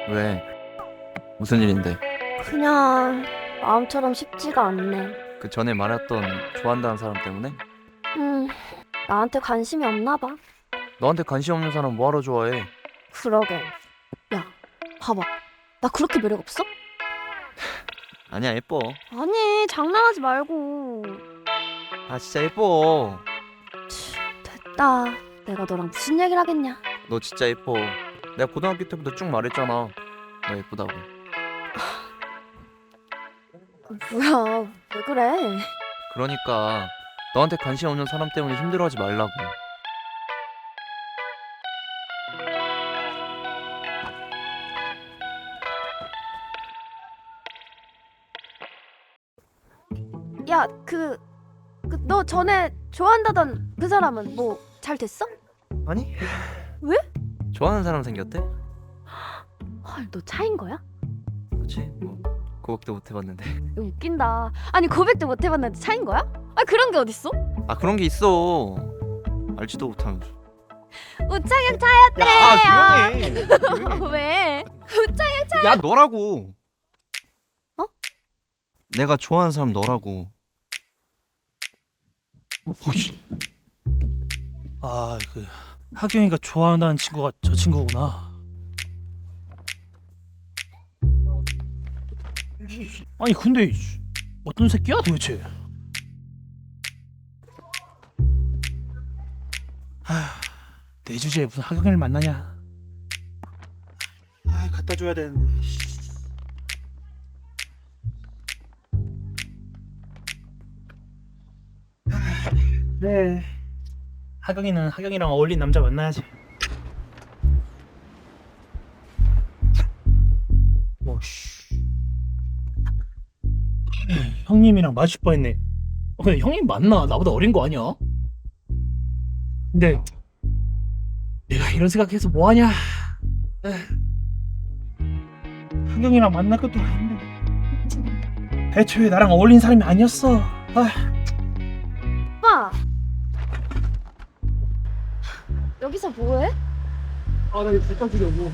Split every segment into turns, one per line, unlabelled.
왜? 무슨 일인데?
그냥 마음처럼 쉽지가 않네.
그 전에 말했던 좋아한다는 사람 때문에?
나한테 관심이 없나 봐.
너한테 관심 없는 사람 뭐하러 좋아해?
그러게. 야, 봐봐. 나 그렇게 매력 없어?
아니야, 예뻐.
아니, 장난하지 말고.
아, 진짜 예뻐.
됐다. 내가 너랑 무슨 얘기를 하겠냐.
너 진짜 예뻐. 내가 고등학교 때부터 쭉 말했잖아. 너 예쁘다고.
뭐야, 왜 그래?
그러니까 너한테 관심 없는 사람 때문에 힘들어하지 말라고.
야, 너 전에 좋아한다던 그 사람은 뭐 잘 됐어?
아니?
왜?
좋아하는 사람 생겼대?
헐, 너 차인 거야?
그치? 뭐 고백도 못 해봤는데.
이거 웃긴다. 아니, 고백도 못 해봤는데 차인 거야? 아, 그런 게 어딨어?
아, 그런 게 있어. 알지도 못하면서.
우창현 차였대.
야, 조용히 해.
왜?
야, 너라고.
어?
내가 좋아하는 사람 너라고.
아, 그 하경이가 좋아한다는 친구가 저 친구구나. 아니 근데 어떤 새끼야 도대체? 내 주제에 무슨 하경이를 만나냐? 아, 갖다 줘야 되는데. 그래. 하경이는 하경이랑 어울린 남자 만나야지. 오씨. 형님이랑 마주칠 뻔했네. 근데 형님 맞나? 나보다 어린 거 아니야? 근데 내가 이런 생각해서 뭐하냐? 하경이랑 만날 것도 아닌데 애초에 나랑 어울린 사람이 아니었어.
오빠. 여기서 뭐해?
나 이거 잠깐 주려고.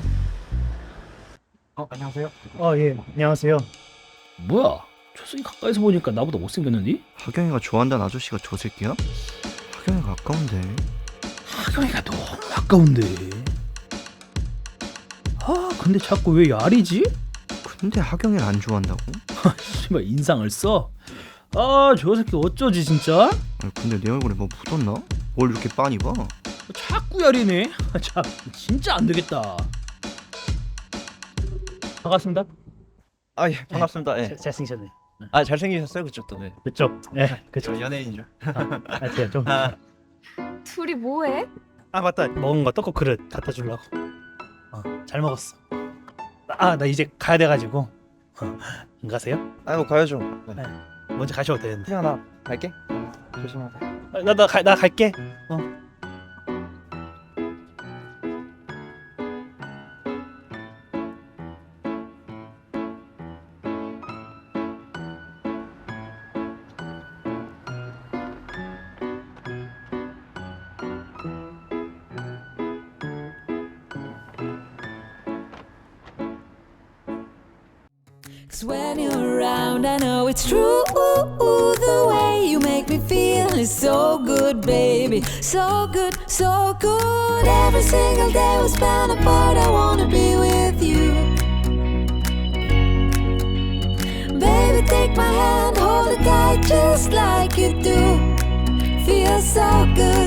안녕하세요. 예, 안녕하세요.
뭐야? 초승이 가까이서 보니까 나보다 못생겼는데?
하경이가 좋아한다는 아저씨가 저 새끼야? 하경이가 아까운데.
하경이가 너무 아까운데. 근데 자꾸 왜 야리지?
근데 하경이를 안 좋아한다고?
씨발 인상을 써? 저 새끼 어쩌지 진짜?
아니, 근데 내 얼굴에 뭐 묻었나? 뭘 이렇게 빤히 봐?
자꾸 야리네. 참 진짜 안 되겠다.
반갑습니다.
아, 예, 반갑습니다. 예.
잘생기셨네.
아, 잘생기셨어요, 그쪽도. 네.
그쪽. 그쪽.
연예인인 줄.
제가 좀.
둘이 뭐해?
맞다. 먹은 거 떡국 그릇 갖다 주려고. 잘 먹었어. 나 이제 가야 돼가지고. 안 가세요?
아이고, 가야죠. 네.
먼저 가셔도 되는데.
그냥 나 갈게. 조심하세요.
나 갈게.
Cause when you're around, I know it's true. The way you make me feel is so good, baby. So good, so good. Every single day we spend apart, I wanna be with you. Baby, take my hand, hold it tight just like you do. Feels so good.